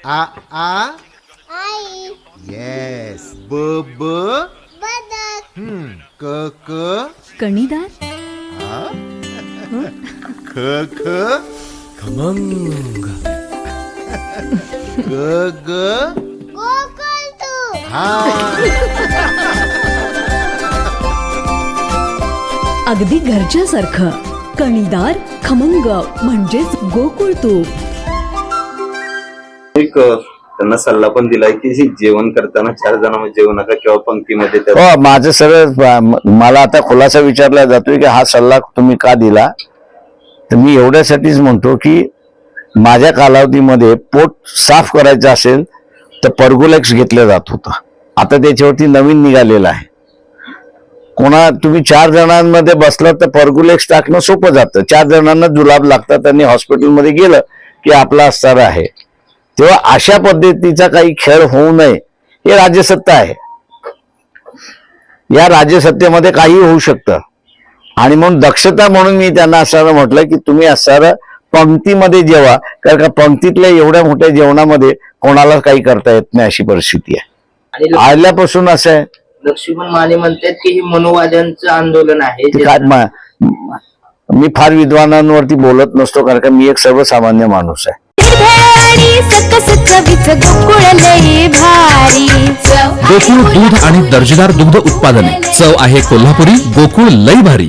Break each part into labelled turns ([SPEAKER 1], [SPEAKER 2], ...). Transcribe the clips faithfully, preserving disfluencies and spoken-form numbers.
[SPEAKER 1] आ आ
[SPEAKER 2] आई.
[SPEAKER 1] Yes. ब ब
[SPEAKER 2] बदक.
[SPEAKER 1] हम्म. क क
[SPEAKER 3] कणीदार.
[SPEAKER 1] ख ख
[SPEAKER 4] खमंग.
[SPEAKER 1] ग ग
[SPEAKER 2] गोकुळ.
[SPEAKER 1] हा.
[SPEAKER 3] अगदी घरच्यासारखं. कणीदार खमंग म्हणजेच गोकुळ तूप.
[SPEAKER 5] एक त्यांना सल्ला पण दिलाय की जेवण करताना चार जणांमध्ये जेवू नका किंवा पंक्तीमध्ये त्या-
[SPEAKER 6] हो, माझं सगळं मला आता खुलासा विचारला जातोय की हा सल्ला तुम्ही का दिला. तर मी एवढ्यासाठीच म्हणतो की माझ्या कालावधीमध्ये पोट साफ करायचं असेल तर पर्गोलेक्स घेतलं जात होतं. आता त्याच्यावरती नवीन निघालेलं आहे. कोणा तुम्ही चार जणांमध्ये बसलात तर पर्गोलेक्स टाकणं सोपं जातं. चार जणांना जुलाब लागतात आणि हॉस्पिटलमध्ये गेलं की आपला अस्तार आहे. तेव्हा अशा पद्धतीचा काही खेळ होऊ नये हे राज्यसत्ता आहे. या राज्यसत्तेमध्ये काही होऊ शकतं आणि म्हणून दक्षता म्हणून मी त्यांना असं म्हटलं की तुम्ही असं पंक्तीमध्ये जेवा, कारण का पंक्तीतल्या एवढ्या मोठ्या जेवणामध्ये कोणाला काही करता येत नाही अशी परिस्थिती आहे.
[SPEAKER 7] आणि
[SPEAKER 6] आल्यापासून असं आहे.
[SPEAKER 7] लक्ष्मण माने म्हणतात की हे मनोवाद्यांचं आंदोलन आहे.
[SPEAKER 6] ते काय मा- मी फार विद्वानांवरती बोलत नसतो, कारण का मी एक सर्वसामान्य माणूस आहे.
[SPEAKER 4] गोकुळ दूध आणि दर्जेदार दुग्ध उत्पादने. चव आहे कोल्हापुरी. गोकुळ लई भारी.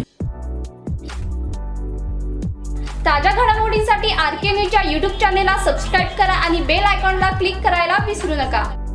[SPEAKER 8] ताज्या घडामोडींसाठी आर के न्यूजच्या यूट्यूब चॅनेलला सबस्क्राईब करा आणि बेल आयकॉनला क्लिक करायला विसरू नका.